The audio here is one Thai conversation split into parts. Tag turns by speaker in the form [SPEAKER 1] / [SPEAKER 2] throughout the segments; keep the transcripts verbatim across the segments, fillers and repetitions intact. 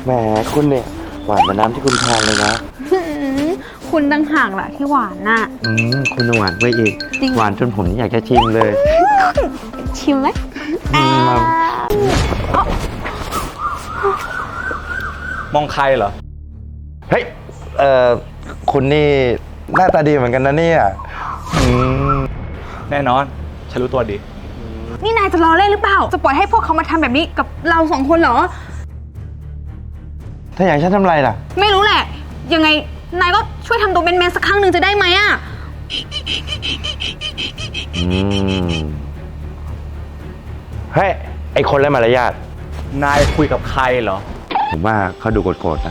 [SPEAKER 1] แหมคุณเนี่ยหวานเหมือนน้ำที่คุณทานเลยนะ
[SPEAKER 2] คุณตั้งห่างแหละที่หวานน่ะ
[SPEAKER 1] อืมคุณหวานไปอีกหวานจนผมอยากจะชิมเลย
[SPEAKER 2] ชิมไหม
[SPEAKER 3] มองใครเหรอ
[SPEAKER 1] เฮ้ยเอ่อคุณนี่หน้าตาดีเหมือนกันนะเนี่ยอืม
[SPEAKER 3] แน่นอนฉันรู้ตัวดี
[SPEAKER 2] นี่นายจะล้อเล่นหรือเปล่าจะปล่อยให้พวกเขามาทำแบบนี้กับเราสองคนเหรอ
[SPEAKER 1] ถ้าอย่างฉันทำไรล่ะ
[SPEAKER 2] ไม่รู้แหละยังไงนายก็ช่วยทำตัวเป็นแมนสักครั้งหนึ่งจะได้ไหมอ่ะ
[SPEAKER 1] อืมเฮ้ยไอคนไร้มารยาท
[SPEAKER 3] นายคุยกับใครเหรอ
[SPEAKER 1] ผมว่าเขาดูโกรธๆนะ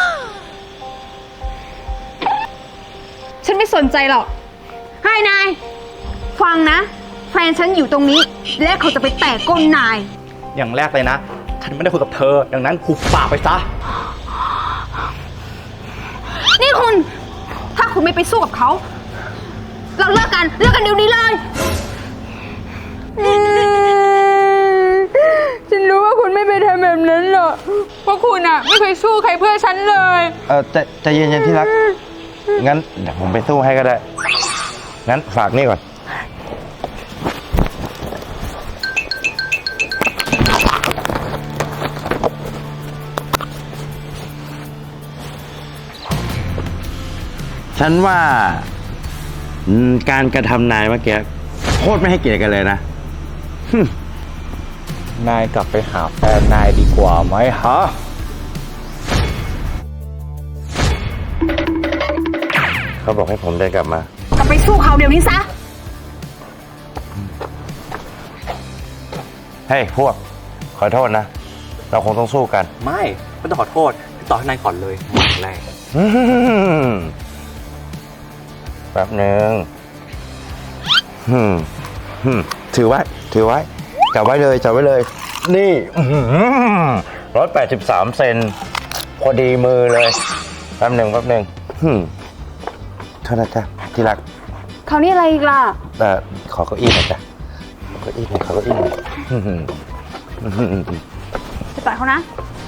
[SPEAKER 2] ฉันไม่สนใจหรอกให้นายฟังนะแฟนฉันอยู่ตรงนี้และเขาจะไปแตะก้นนาย
[SPEAKER 3] อย่างแรกเลยนะฉันไม่ได้คุยกับเธอดังนั้นหุบปากไปซะ
[SPEAKER 2] นี่คุณถ้าคุณไม่ไปสู้กับเขาเราเลิกกันเลิกกันเดี๋ยวนี้เลยฉันรู้ว่าคุณไม่ไปทำแบบนั้นหรอกเพราะคุณอะไม่เคยสู้ใครเพื่อฉันเลย
[SPEAKER 1] เออใจใจเย็นๆที่รักงั้นเดี๋ยวผมไปสู้ให้ก็ได้งั้นฝากนี่ก่อนฉันว่าการกระทำนายเมื่อกี้โคตรไม่ให้เกียรติกันเลยนะ
[SPEAKER 3] นายกลับไปหาแฟนนายดีกว่าไหมฮะ
[SPEAKER 1] เขาบอกให้ผมเดินกลับมาก
[SPEAKER 2] ลับไปสู้เขาเดี๋ยวนี้ซะ
[SPEAKER 1] เฮ้ยพวกขอโทษนะเราคงต้องสู้กัน
[SPEAKER 3] ไม่ไม่ต้องขอโทษต่อให้นายก่อนเลยหมดแรก
[SPEAKER 1] แป๊บหนึ่งถือไว้ถือไว้จับไว้เลยจับไว้เลยนี่ร้อยแปดสิบสามเซนพอดีมือเลยแป๊บหนึ่งแป๊บหนึ่งโทษนะจ๊ะที่รัก
[SPEAKER 2] เขานี่อะไรอีกล่ะ
[SPEAKER 1] แต่ขอเก้าอี้หน่อยจ้ะขอเก้าอี้หน่อยขอเก้าอี้หน่อย
[SPEAKER 2] จะต่อยเขานะ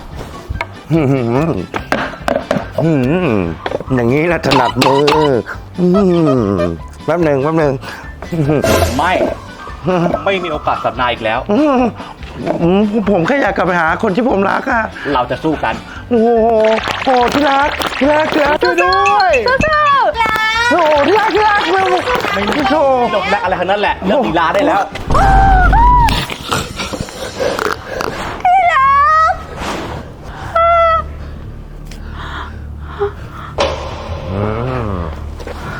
[SPEAKER 1] อย่างนี้ละถนัดมือแป๊บหนึ่งแป๊บหนึ่ง
[SPEAKER 3] ไม่ไม่มีโอกาสสับนายอีกแล้ว
[SPEAKER 1] ผมแค่อยากกลับไปหาคนที่ผมรักอะ
[SPEAKER 3] เราจะสู้กัน
[SPEAKER 1] โอ้โหโอ้ที่รักที่รักที่รักช่วยด้วย
[SPEAKER 2] สู้ๆ
[SPEAKER 1] โอ้ที่รักที่รักไม่
[SPEAKER 3] ไม่โชว์จบแล้วอะไรทั้งนั้นแหละเลิกลีลาได้แล้ว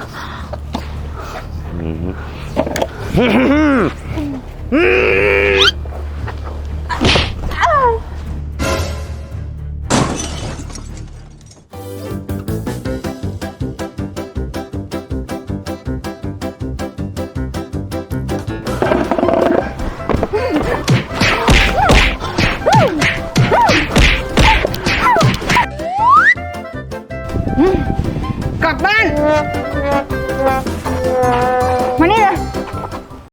[SPEAKER 1] อืม